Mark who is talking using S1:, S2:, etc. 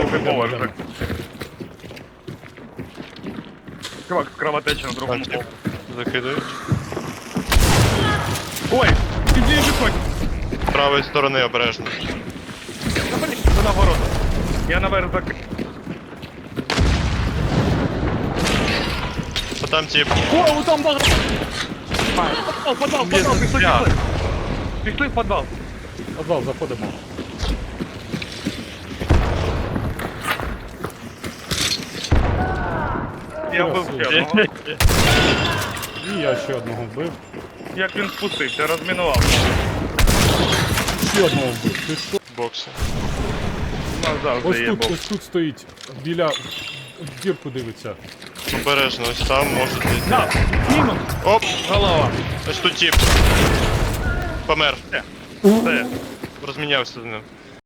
S1: другий поверх.
S2: Йдемо.
S1: Чувак, кровотеча на другому
S3: Бачу.
S1: поверху.
S3: Закидають.
S1: Ой, іди виходь.
S3: З правої сторони обережно.
S1: Та блін, це на ворота. Я наверх зак...
S3: А там тип.
S1: О, там багато. Подвал,
S3: Без
S1: пішли,
S3: життя.
S1: пішли. Пішли в подвал.
S2: Подвал, заходимо.
S1: Я вбив ще одного.
S2: І я ще одного вбив.
S1: Як він спустився, розмінував.
S2: Ще одного вбив. Ти що?
S3: Бокси.
S2: Ось
S1: Завжди є
S2: тут,
S1: бок.
S2: ось тут стоїть. Біля... В дірку дивиться.
S3: Обережно, ось там можуть бути.
S1: На, мінус.
S3: Оп!
S1: Голова.
S3: Ось тут тип. Помер.
S1: Все.
S3: Розмінявся з ним.